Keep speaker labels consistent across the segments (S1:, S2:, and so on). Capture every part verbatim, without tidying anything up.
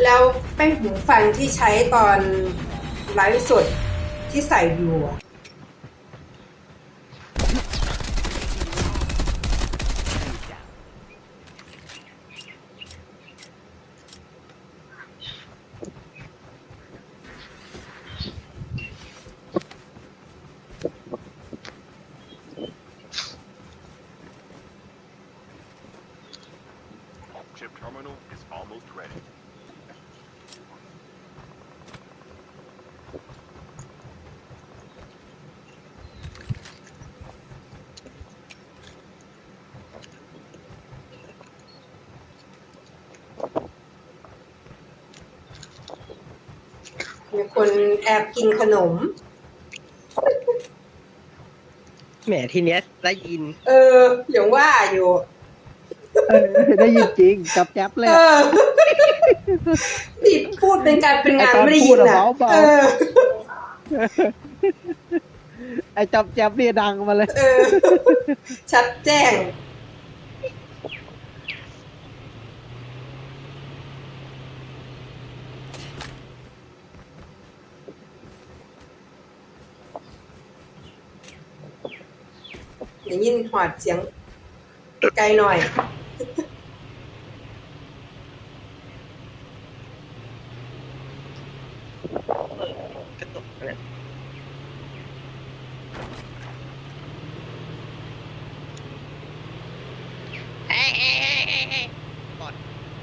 S1: แล้วแป้งหูฟังที่ใช้ตอนไลฟ์สดที่ใส่อยู่อะมีคนแอบกินขนม
S2: แหมทีเนี้ยได้ยิน
S1: เอออย่างว่าอยู่
S3: เออได้ยินจริงจับแจ๊บเลย
S1: นี่พูดเป็นการเป็นงานไม่ได้ยินอ่ะเออ
S3: ไอ้จับแจ๊บเนี่ยดังมาเลย
S1: เออชัดแจ้งอย่างยินหอดเสียงไกลหน่อย
S2: กระตุกเนี่ยเอ้ยเอ้ยเอ้ยเอ้ยเอ้ยบอด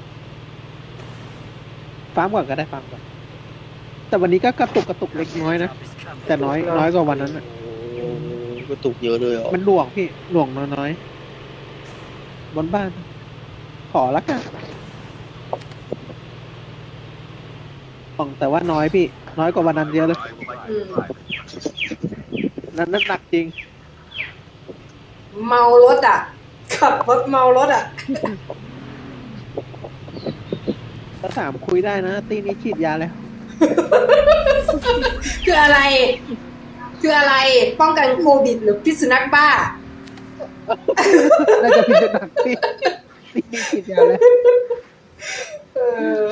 S3: ฟังก่อนก็ได้ฟังก่อนแต่วันนี้ก็กระตุกกระตุกเล็กน้อยนะแต่น้อยน้อยกว่าวันนั้นอ่ะ
S2: กระตุกเยอะเลยอ่ะ
S3: มันหน่วงพี่หน่วงน้อยๆบนบ้านขอละกันของแต่ว่าน้อยพี่น้อยกว่าวันนั้นเยอะเลยนั้นน้ำหนักจริง
S1: เมารถอ่ะขับรถเมารถอ่ะ
S3: ถ้าถามคุยได้นะตีนี้ฉีดยาแล้ว
S1: คืออะไรคืออะไรป้องกันโควิดหรือพิษสุนัขบ้า
S3: น่าจะพิษสุนัขที่ตีนี้ฉีดยาแล้ว
S1: เออ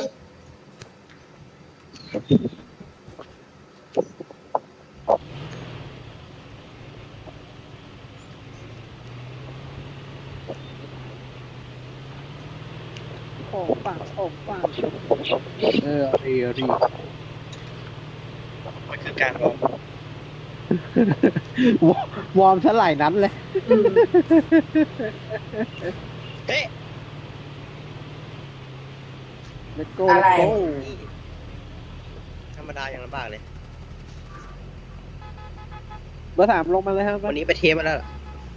S3: โอ้ปังโอ้ปังเออรีรี
S2: มันคือการวอร์ม
S3: วอร์มซะหลายนั้นเลย
S2: เฮ้ย
S3: Let's go
S1: อะไร
S3: Let's go
S2: ธรรมดาอย่างลำบากเลย
S3: เบอร์สามลงมาเลยครับ
S2: วันนี้ไปเทปมาแล้วล่ะ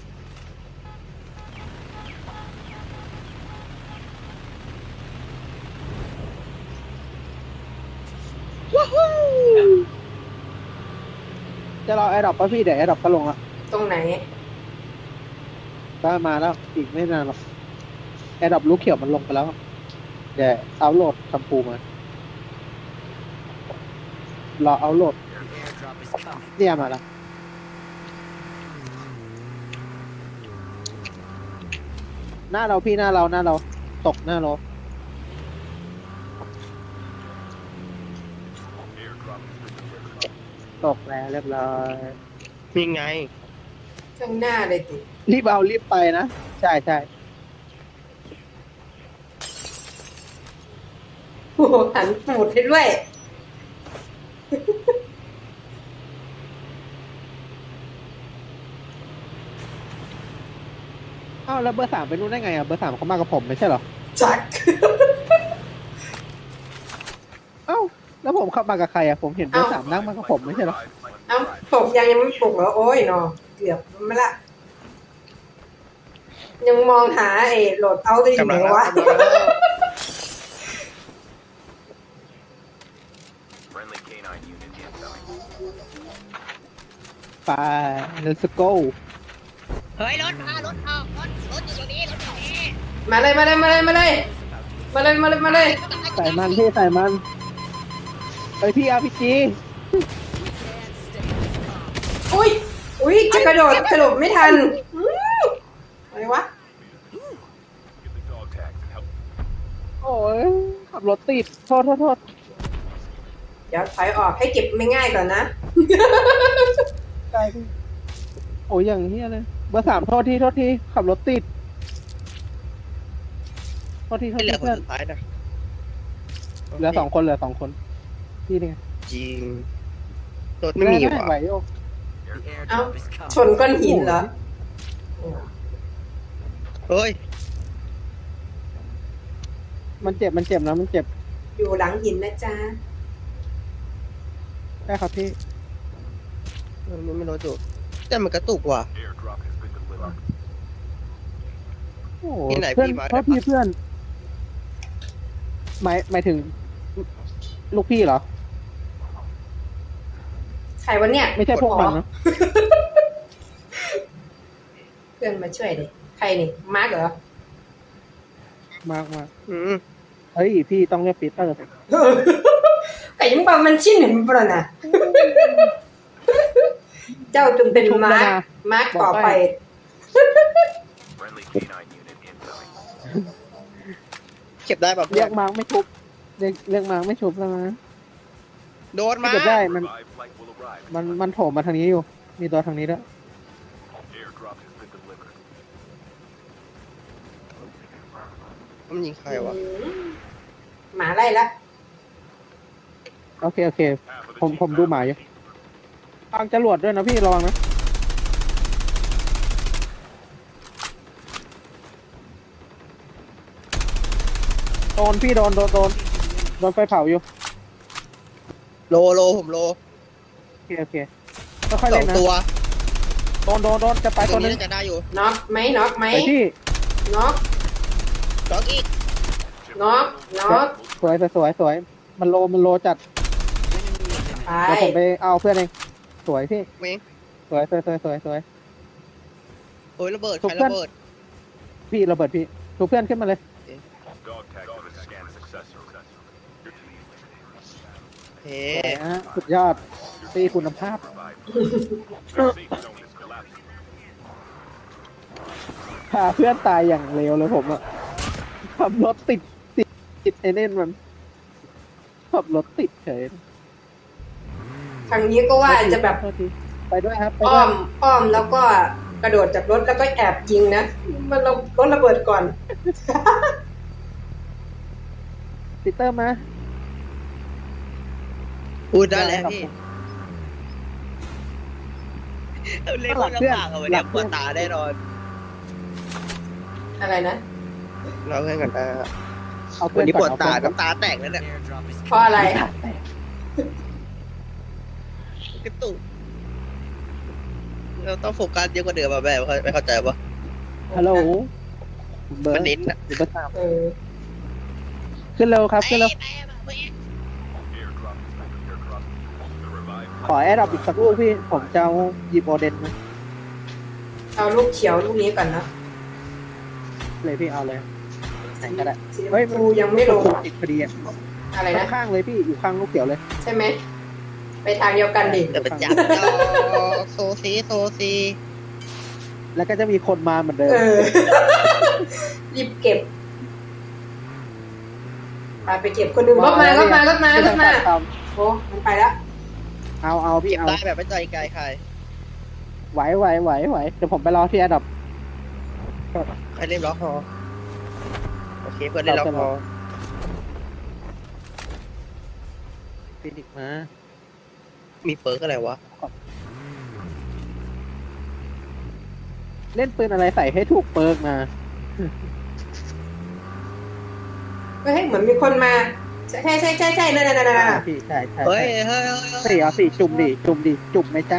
S3: จะรอแอร์ดรอปป่ะพี่เดี๋ยวแอร์ดรอปก็ลงละ
S1: ตรงไหน
S3: ก็มาแล้วอีกไม่นานหรอกแอร์ดรอปลูกเขียวมันลงไปแล้วเดี๋ยวเอาโหลดทำปูมารอเอาโหลดเนี่ยมาแล้วหน้าเราพี่หน้าเราหน้าเราตกหน้าเราตกแล้วเรียบร้อย
S2: มีไง
S1: ข้างหน้าเลยติ
S3: รีบเอารีบไปนะใช่ใช่
S1: โอ้หันปูดให้ด้วย
S3: อ้าวแล้วเบอร์สามไปนู่นได้ไงอ่ะเบอร์สามเขามากับผมไม่ใช่เหรอ
S1: จัก
S3: เอ้าแล้วผมขับมากับใครอ่ะผมเห็นเบอร์สามนั่งมากับผมไม่ใช่เหรอ
S1: เอ้าปลุกยังยังไม่ปลุกเหรอโอ้ยเนาะเกือบไม่ละยังมองหาไอ้โหลดเอาได้อยู่ไหนวะ
S3: ไป let's go
S2: เฮ้ยรถมารถออกรถรถอยู่ตรงนี้รถอยู่นี่
S1: มาเลยมาเลยมาเลยมาเลยมาเลยมาเลยมาเลย
S3: ใส่มันพี่ใส่มันไปพี่อาร์พีจี
S1: อุ้ยอุ้ยจะกระโดดกระโดดไม่ทันอะไรวะโ
S3: โอ้ยขับรถติดโทษโทษโทษ
S1: เดี๋ยวถอยออกให้เก็บไม่ง่ายก่อนนะ
S3: ใช่พี่โอ้ยอย่างเฮียเลยเบอร์สามโทษทีโทษทีขับรถติดโทษทีโทษ
S2: ไม่เหลื
S3: ที
S2: อคน
S3: เพื่อน
S2: สุดท้ายนะ
S3: เหลือสองคนเหลือสองคนพี่นี่ไง
S2: จริงรถไม่มี
S3: ด้
S2: ว่ะ
S3: ไหวโย
S1: เอ้าชนก้อนหินเหรอ
S2: เฮ้ย
S3: มันเจ็บมันเจ็บนะมันเจ็บ
S1: อยู่หลังหินนะจ๊ะ
S3: ได้ครับพี่
S2: มันไม่รถอยู่แต่มันกระตุกว่ะ
S3: โอ้โห
S2: ที่ไหน
S3: เพื่อน
S2: พี่มา
S3: โทษทีเพื่อนหมายหมายถึง ลูกพี่เหรอ
S1: ใครวะเนี่ย
S3: ไม่ใช่พวกมันนะ
S1: เพื่อนมาช่วยดิใครนี่มาร์กเหรอ
S3: มากมาก
S2: อืม
S3: เฮ้ยพี่ต้องเรียกปีเตอร์สิ
S1: ไก่ยังบอกมันชิ้นหนึ่งปะนะ เจ้าจงเป็นมาร์กมาร์กต่อไป
S2: เก็บได้แบบ
S3: เรียกมาร์กไม่ชุบเรียกเรียกมาร์กไม่ชุบแล้วนะ
S2: โดนมา
S3: ถ้าเก็บได้มัน มันมันโถมมาทางนี้อยู่ มีตัวทางนี้ด้วย
S2: มันยิงใครวะ
S1: หมาไล่ละ
S3: โอเคโอเค ผมผมดูหมายอยู่ทางจรวดด้วยนะพี่ระวังนะโดนพี่โดนโดนโดนโดนไฟเผาอยู่
S2: โลโลผมโล
S3: โอเคโอเคค่อยๆ
S2: สอ
S3: เล่
S2: ง
S3: นนะ
S2: ตัว
S3: โดนโดนโดนจะไป
S2: ตั
S3: ตัว วนึ
S2: นี้
S3: ง
S2: น่าจะได้อยู่
S1: น็อกไหมน็อกไหม
S3: ไปที่
S1: น็อก
S2: ล็อกอีก
S1: น็อกน็อก
S3: สวยสวยสวยสวยมันโลมันโลจัด
S1: ไป
S3: เดี๋ยวผมไปเอาเพื่อนเองสวยพี่
S2: เวง
S3: สวยสวยสวยสวยสวย
S2: โอ้ยระเบิด
S3: ถู
S2: ใคร
S3: กเพื่อน
S2: ระเบิด
S3: พี่ระเบิดพี่ถูกเพื่อนขึ้นมาเลย
S2: เฮ้
S3: สวยฮะสุดยอดตีคุณภาพพาเพื่อนตายอย่างเร็วเลยผมอะขับรถติดติดติดไอเน่นมันขับรถติดเฉย
S1: ทางนี้ก็ว่าจะแบบ
S3: โทษทีไปด้วยครับไป
S1: อ้
S3: ด้
S1: อ
S3: วย
S1: มอ้อมแล้วก็กระโดดจากรถแล้วก็แอบยิงนะ มันเรารถระเบิดก่อน
S3: ปีเตอร์มา
S2: พูดได้แล้วพี่เล่นคนลำบากอะวันนี้ปวดตาแน่นอน
S1: อะไรนะ
S2: เราเล่นกันนะ
S3: เอาเพื่
S2: วั
S3: อน น
S2: นี้ปวดตา
S3: ก่อน
S2: น้ำตาแตกแล้วเนี่ย
S1: เพราะอะไร
S2: กระตุกเราต้องโฟกัสเยอะกว่าเดิมอะแม่ไม่เข้าใจปะ
S3: ฮัลโหลเบอร์
S2: มันเน้นอะ
S3: เบอร์สาม
S1: เออ
S3: ขึ้นเร็วครับขึ้นเร็ว
S2: ไปไปไป
S3: ขอแอดดับอีกสักลูกพี่ ผมจะเอาหยิบโอเดนมา
S1: เอาลูกเขียวลูกนี้ก่อนนะ
S3: เลยพี่เอาเลยไหนก็ได้
S1: สีช
S3: เฮ้ย
S1: มพูยังไม่ลง
S3: ติดพอดีอ่ะ
S1: อะไรนะ
S3: ข้างๆเลยพี่อยู่ข้างลูกเขียวเลย
S1: ใช่ไหม ไปทางเดียวกันดิ
S2: จะไปจับจอโซซีโซซี
S3: แล้วก็จะมีคนมาเหมือนเดิม
S1: เออ รีบเก็บไปไปเก็บคนอื่นรถมารถมารถมารถมา
S3: ไต้อง
S1: โอ้มันไปแล้ว
S3: เอาเอาพี่
S2: เก็บ
S3: เอา
S2: ได้แบบไม่ใจไกลใคร
S3: ไหวไหวไหวไหวเดี๋ยวผมไปรอที่แอดดับ
S2: ใครเล่นล็อกพอโอเคเพื่อนเล่นล็อกพอ
S3: ฟินิกมา
S2: มีเปิร์กอะไรวะ
S3: เล่นปืนอะไรใส่ให้ถูกเปิร์กมา
S1: เฮ้ยเหมือนมีคนมา ใช่ใช่ใช่ใช่ใช่นั่นนั่นนั่น
S3: อ่า
S1: นั่น
S3: พี่ใช่ใช่
S2: เฮ้ย
S3: ใช่
S2: เฮ้ยเฮ้ยเฮ้ย
S3: สี่เอาสี่จุ่มดิจุ่มดิจุ่มไหมจ๊ะ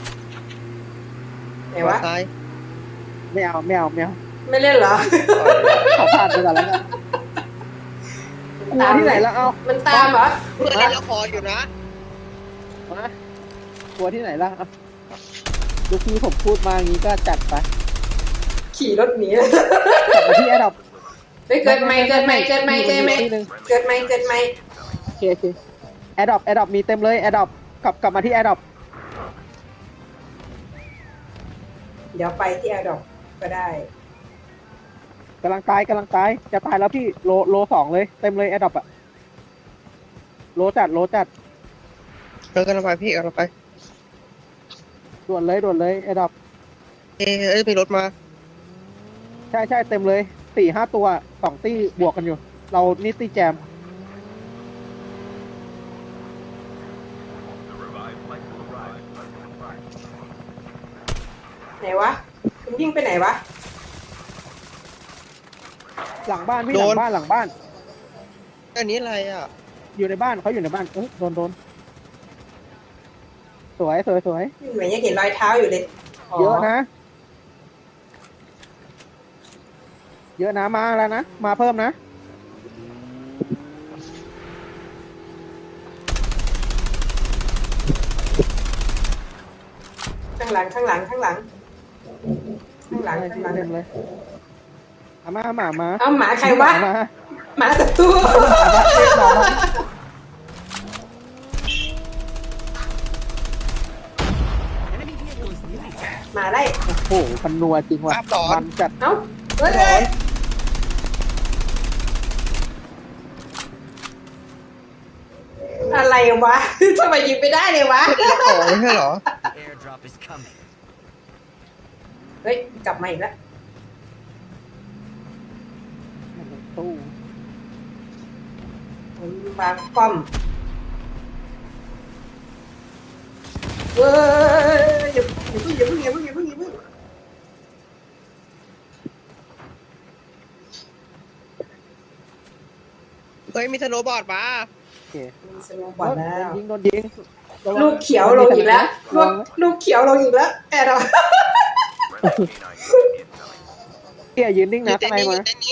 S1: ไหนวะ
S2: ซ้าย
S3: ไม่เอาไม่เอาไม่เอา
S1: ไม่เล่นเหรอ
S3: ขอผ่านไปก่อนแล้วกันกลัวที่ไหนแล้วเอา
S1: มันตามเหรอ
S2: เพื่อนเล่นละครอยู่นะ
S3: มากลัวที่ไหนล่ะเอาลูกพี่ผมพูดมาอย่างนี้ก็จัดไป
S1: ขี่รถหนี
S3: กลับมาที่แอดดับ
S1: เฮ้ยเกิดใหม่เกิดใหม่เกิดใหม่เกิดใหม่เกิดใหม่เกิดใหม่
S3: โอเคโอเคแอดดับแอดดับมีเต็มเลยแอดดับกลับกลับมาที่แอดดับ
S1: เดี๋ยวไปที่แอร์ดอกก็ได้
S3: กำลังตายกำลังตายจะตายแล้วพี่โลโลสองเลยเต็มเลยแอดดอปอะโลจัดโลจัด
S2: เออกำลังไปพี่กำลังไป
S3: ด่วนเลยด่วนเลยแอดดอป
S2: เอ้ยเอ้ยมีรถมา
S3: ใช่ใช่เต็มเลยสี่ห้าตัวสองตี้บวกกันอยู่ เรานี่ตี้แจม
S1: ไหนวะคุณวิ่งไปไหนวะ
S3: หลังบ้านพี่หลังบ้านหลังบ้าน
S2: อันนี้อะไรอ่ะ
S3: อยู่ในบ้านเขาอยู่ในบ้านเอ้ยโดนโดนสวยสวยสวย
S1: เหมือนยังเห็นรอยเท้าอยู่เลย
S3: เยอะนะ เยอะนะมาแล้วนะมาเพิ่มนะ
S1: ข้างหลังข้างหลังข้างหลัง ข้างหลังข้างหลัง
S3: เต็มเลยเอามาหมามา
S1: เอาหมาใครวะ
S3: หมา
S1: หมาศัตรู มาได้
S3: โอ้โหมันนัวจริงว่ะ
S2: ภาพหลอน
S3: มันจัด
S1: เอ้าเฮ้ยเฮ้ยอะไรวะ ทำไมยิงไม่ได้เลยวะ
S2: ของไม่ใช่เหรอ
S4: The airdrop is coming.
S1: เฮ้ย กลับมาอีกแล้ว
S3: ตู้
S1: วางป้อมเว้ยอย่าอย่าเพิ่งอย่าเพิ่งอย่าเพิ่งอย่าเพิ่งอย่าเพิ่ง
S2: เฮ้ยมีสโนว์บอร์ดมา
S3: โอเค
S1: มีสโนว์บอร์ดแล้ว
S3: ยิงโดนยิง
S1: ลูกเขียวลงอีกแล้วลูกลูกเขียวลงอีกแล้วแอดเรา
S3: เที่ยยืนนิ่ง
S2: อยู่
S3: นะ
S2: เต็
S3: ข้าน งใน
S2: นี้อ
S3: มา
S2: ยู่เต็นนี้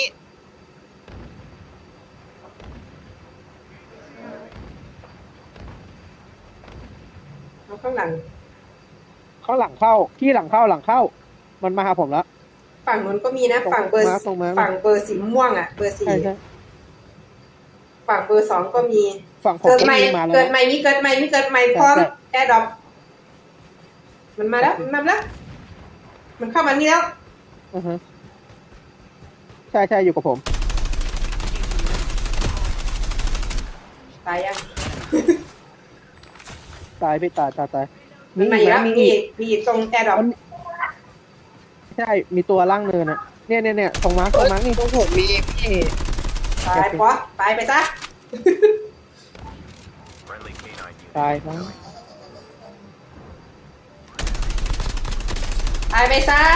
S1: เอาข้างหลัง
S3: เขาหลังเข้าที่หลังเข้าหลังเข้า มันมาหาผมแล้ว
S1: ฝั่งนู้นก็มีนะ ฝั่งเบอร์
S3: ตรงมา
S1: ฝั่งเบอร์สีม่วงอ่ะ เบอร์สี่
S3: ใช่ใช่
S1: ฝั่งเบอร์สองก็มี
S3: ฝั่งผม
S1: เกิด
S3: ก็
S1: ใหม่
S3: มีมาแล้ว
S1: เกิด
S3: นะ
S1: ใหม่มีเกิดใหม่มีเกิดใหม่พร้อม
S3: ใช่
S1: แอร์ดรอปมันมาแล้วมันมาแล้ว มันเข้ามานี่แล้ว
S3: อือฮะใช่ใช่อยู่กับผม
S1: ตายยัง
S3: ตายพี่ตายตายตาย
S1: มันมาอีกแล้ว
S3: มี
S1: มี
S3: อี
S1: อี
S3: ก
S1: กมีอีกตรงแอร์ดรอป
S3: ใช่มีตัวล่างเนินอะเนี่ยเนี่ยเนี่ยตรงมาร์คตรงมาร์คนี่
S2: ตรงผมมีพี่
S1: ตายป๊อตายไปซะ
S3: ตายมั้ง
S1: ตายไปซะ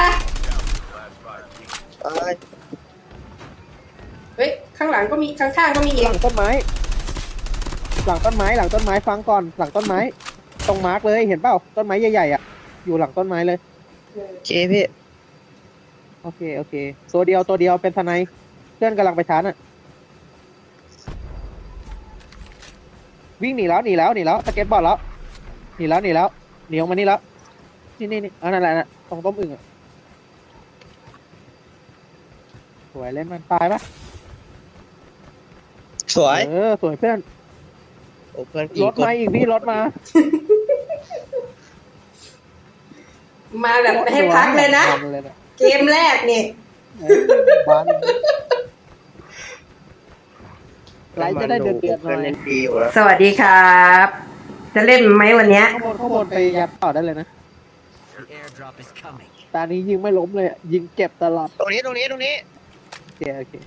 S2: ตาย
S1: เฮ้ย ข้างหลังก็มี ข้างๆก็มีอี
S3: ห
S1: ก
S3: ลังต้นไม้ หลังต้นไม้หลังต้นไม้ฟังก่อนหลังต้นไม้ ตรงมาร์คเลยเห็นเปล่าต้นไม้ใหญ่ๆอ่ะอยู่หลังต้นไม้เลย
S2: โอเคพี่
S3: โอเคโอเค ตัวเดียวตัวเดียวเป็นทนายเพื่อนกำลังไปชาร์จอ่ะวิ่งหนีแล้วหนีแล้วหนีแล้วสเก็ตบอร์ดแล้วหนีแล้วหนีแล้วหนีออกมานี่แล้วนี่นี่นี่อันนั้นแหละนะตรงต้มอึ่งอ่ะสวยเล่นมันตายปะ
S2: สวย
S3: เออสวยเพื่อน
S2: โอ้เพื่อน
S3: รถมาอีกพี่รถมา
S1: มาแบบไม่ให้พักเลยนะ
S3: มันเลยนะ
S1: เกมแรกนี่
S3: เออบ้านไลฟ์จะได้เดือดเดือดหน่
S2: เพื่อน
S3: อย
S2: เล่นดีอยู่แล้ว
S1: สวัสดีครับ จะเล่นไหมวันเนี้ย
S3: ข้างบนข้างบนไปยัดต่อได้เลยนะ
S4: The airdrop is coming.
S3: ตานี้ยิงไม่ล้มเลยอะยิงเก็บตลอด
S2: ตรงนี้ตรงนี้ตรงนี้
S3: โอเคโอเค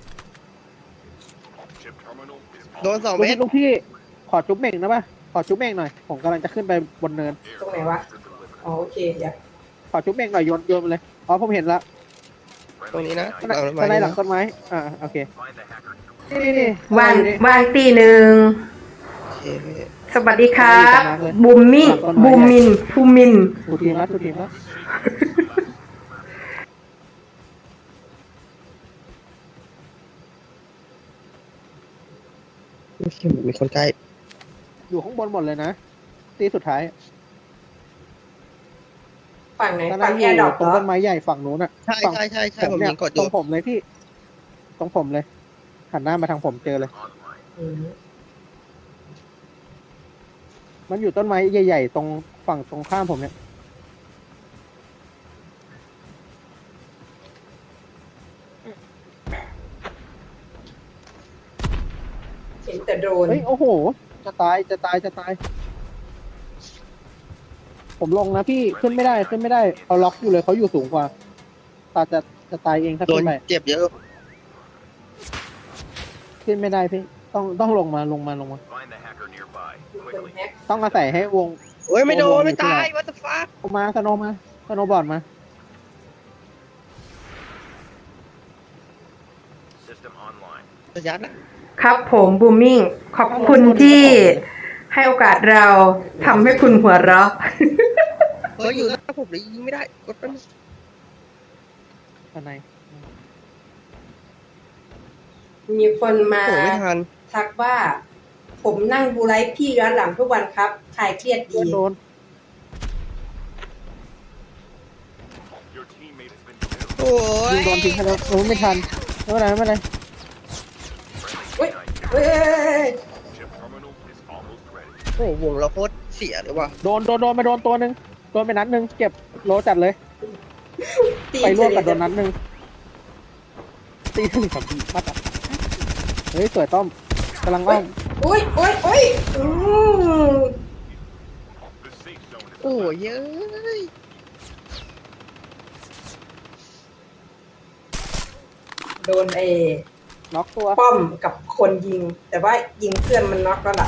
S2: โดนสอง
S3: ลูก
S2: เมต
S3: พี่
S2: ร
S3: ลูกพี่ขอจุ๊บเม่งนะป่ะขอจุ๊บเม่งหน่อยผมกำลังจะขึ้นไปบนเนิน
S1: ตรงไหนวะ อ๋อโอเคเดี๋ยว
S3: ขอจุ๊บเม่งหน่อยโยนโยนมาเลยอ๋อผมเห็นละ
S2: ตรงนี้นะ
S3: ข้างในข้างในหลังต้นไม้อ่าโอเคนี่นี่
S1: วาง
S3: นี่
S1: วางตีหนึ่ง
S2: โอเคพี่
S1: สวัสดีครับ
S3: ดีจังเลย
S1: บูมมิ่งบูมมินภูมิน
S3: ทูทีมแล้วทูทีมแล้ว
S2: มีคนใกล้
S3: อยู่ข้างบนหมดเลยนะตีสุดท้าย
S1: ฝั่งไหน
S3: ตอน
S1: ฝั่
S3: นั้
S1: ง
S3: นอ
S1: แอยู่ ร์ดรอป
S3: ตรง
S1: เหรอ
S3: ต้นไม้ใหญ่ฝั่งนู้นอ่ะ
S2: ใช่
S3: ฝั่ง
S2: ใช่ใช่ใช่ผม
S3: เนี่
S2: ยิงกดอ
S3: ตร
S2: ยู่
S3: งผมเลยพี่ตรงผมเลยหันหน้ามาทางผมเจอเลย
S1: อืม
S3: มันอยู่ต้นไม้ใหญ่ๆตรงฝั่งตรงข้ามผมเนี่ย
S1: เห็นแต่โดรน
S3: เฮ้ยโอ้โห จะตายจะตายจะตาย ผมลงนะพี่ขึ้นไม่ได้ขึ้นไม่ได้เขาล็อกอยู่เลยเขาอยู่สูงกว่าตาจะจะตายเองถ้า
S2: โด
S3: ขึ้
S2: น
S3: นไป
S2: เจ็บเยอะ
S3: ขึ้นไม่ได้พี่ต้องต้องลงมาลงมาลงมา
S5: Find the hacker nearby.
S1: มีคน
S5: Quickly.
S1: แฮ็ก
S3: ต้องอาศัยให้วง
S2: โอ้ยไม่โด
S3: โด
S2: น
S3: น
S2: ไม่ตาย
S3: อยู่ที่ไหน
S2: what the fuck
S3: เอามาสโนว์มาสโนว์บอร์ดมา
S5: System online.
S2: ระยะนะครับ
S1: ผมบูมมิ่งขอบคุณที่ให้โอกาสเราทำให้คุณหัวเราะ
S2: เฮ้ยอยู่หน้าผมเลยยิงไม่ได้กดแป๊บนึง
S3: ข้างใน
S1: มีคนมา
S2: โอ้ไม่ทัน
S1: ทักว่า ผมนั่งดูไลฟ์พี่ย้อนหลังทุกวันครับคลายเครียดดี
S3: เพื่อนโดน
S5: Your teammate has been killed.
S2: โอ้ย
S3: ยิงโดนทิ้งให้แล้วโอ้ไม่ทันไม่เป็นไรไม่เป็นไร
S1: เฮ้ยเฮ้ย
S5: Chip terminal is almost ready.
S2: โอ้วงเราโคตรเสียเลยว่ะ
S3: โดนโดนโดนมาโดนตัวหนึ่งโดนไปนัดหนึ่งเก็บโลจัดเลย
S1: ตี
S3: ไปร่วม
S1: เฉ
S3: กับโด
S1: ลี่ย
S3: นนัดหนึ่งตีถึงสามทีมาตัดเฮ้ยสวยต้อมกำลังอ้อม
S1: อุ้ยอุ้ยอุ้ยอืม
S5: The safe zone is
S2: โอ้ยเย้ย
S1: โดนเอ
S3: น็อกตัว
S1: ป้อมกับคนยิง แต่ว่ายิงเพื่อนมันน็อกแล้วล่ะ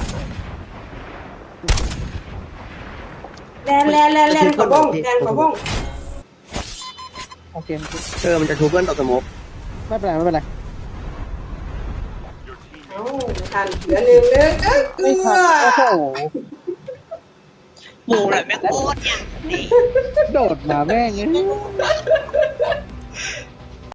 S1: แลนแลนแลนแลนกระบ้องแลนกระบ้อง
S3: โอเค
S2: เออมันจะทูเพื่อนต่อสโมก
S3: ไม่เป็นไรไม่เป็นไร
S5: your teammate.
S1: เอ้าไม่ทันเหลือหนึ่งหนึ่งเอ้ยเกลื
S3: ไม่ทัน
S1: อ
S3: โอ้โห
S2: หมูแหละแม่งโคตรเนี่ย
S3: โดดมาแม่งเอ้ย